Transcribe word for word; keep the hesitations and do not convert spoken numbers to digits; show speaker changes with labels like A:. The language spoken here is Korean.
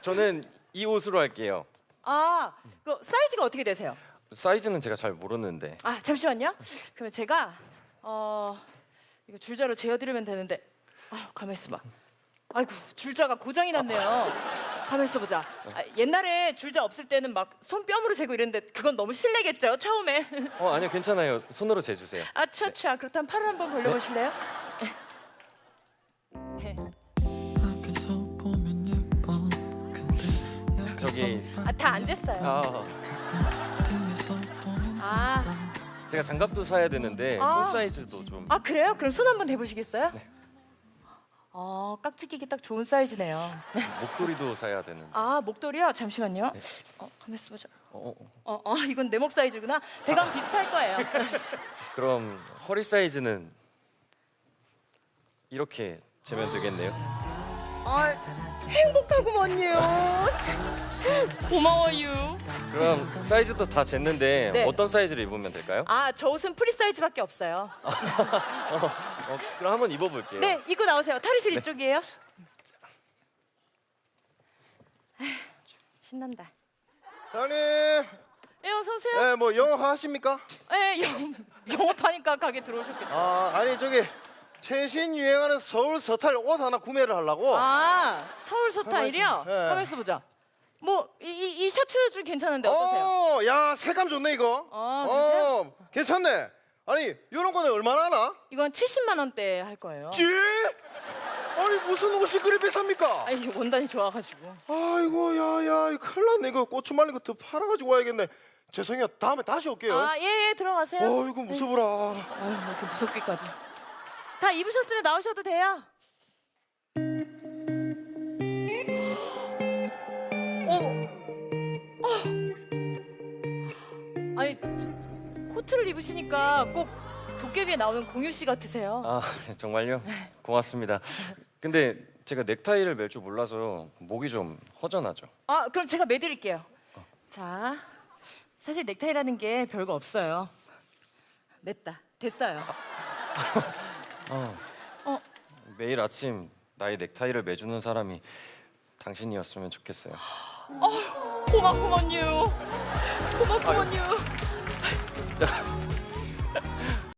A: 저는 이 옷으로 할게요.
B: 아, 그 사이즈가 어떻게 되세요?
A: 사이즈는 제가 잘 모르는데.
B: 아, 잠시만요. 그러면 제가 어 이거 줄자로 재어드리면 되는데. 아, 가만 있어봐. 아이고, 줄자가 고장이 났네요. 가만 있어보자. 아, 옛날에 줄자 없을 때는 막 손뼉으로 재고 이랬는데 그건 너무 실례겠죠, 처음에.
A: 어 아니요 괜찮아요. 손으로 재주세요.
B: 아, 추아, 그렇다면 팔을 한번 벌려보실래요? 네.
A: 저기
B: 아, 다 안 쟀어요.
A: 아
B: 아,
A: 제가 장갑도 사야 되는데
B: 아.
A: 손 사이즈도 좀.
B: 아 그래요? 그럼 손 한번 대보시겠어요? 네. 어, 깍지 끼기 딱 좋은 사이즈네요.
A: 목도리도 사야 되는데.
B: 아, 목도리요? 잠시만요. 어, 가만 있어보자.
A: 어, 어.
B: 어, 어, 이건 내 목 사이즈구나. 대강 비슷할 거예요.
A: 그럼 허리 사이즈는 이렇게 재면 되겠네요.
B: 아, 행복하구먼요. 고마워요.
A: 그럼 사이즈도 다 쟀는데
B: 네.
A: 어떤 사이즈를 입으면 될까요?
B: 아, 저 옷은 프리 사이즈밖에 없어요.
A: 어, 어, 그럼 한번 입어볼게요.
B: 네, 입고 나오세요. 탈의실 이쪽이에요. 아휴, 신난다.
C: 사장님,
B: 예, 어서 오세요.
C: 네, 뭐 영어 하십니까?
B: 예, 영, 영업하니까 가게 들어오셨겠죠.
C: 아, 아니 저기 최신 유행하는 서울 서탈 옷 하나 구매를 하려고.
B: 아, 서울 서타일이요?
C: 네.
B: 가만 있어보자. 뭐 이 이 셔츠 좀 괜찮은데 어떠세요?
C: 어, 야 색감 좋네 이거.
B: 아, 그러세요?
C: 어, 괜찮네. 아니 이런 거는 얼마나 하나?
B: 이건 칠십만 원대 할 거예요.
C: 찌? 아니 무슨 옷이 그리 비쌉니까?
B: 아니, 원단이 좋아가지고.
C: 아이고 야야 큰일 났네 이거 고추 말린 거 더 팔아가지고 와야겠네. 죄송해요 다음에 다시 올게요.
B: 아, 예, 예, 들어가세요.
C: 어이구 무서워라.
B: 아유, 뭐 이렇게 무섭게까지. 다 입으셨으면 나오셔도 돼요. 어, 어. 아니, 코트를 입으시니까 꼭 도깨비에 나오는 공유 씨 같으세요.
A: 아 정말요? 고맙습니다. 근데 제가 넥타이를 멜 줄 몰라서 목이 좀 허전하죠.
B: 아, 그럼 제가 매드릴게요. 자, 사실 넥타이라는 게 별거 없어요. 맸다. 됐어요.
A: 어,
B: 어,
A: 매일 아침 나의 넥타이를 매주는 사람이 당신이었으면 좋겠어요.
B: 고맙구먼요. 고맙구먼요.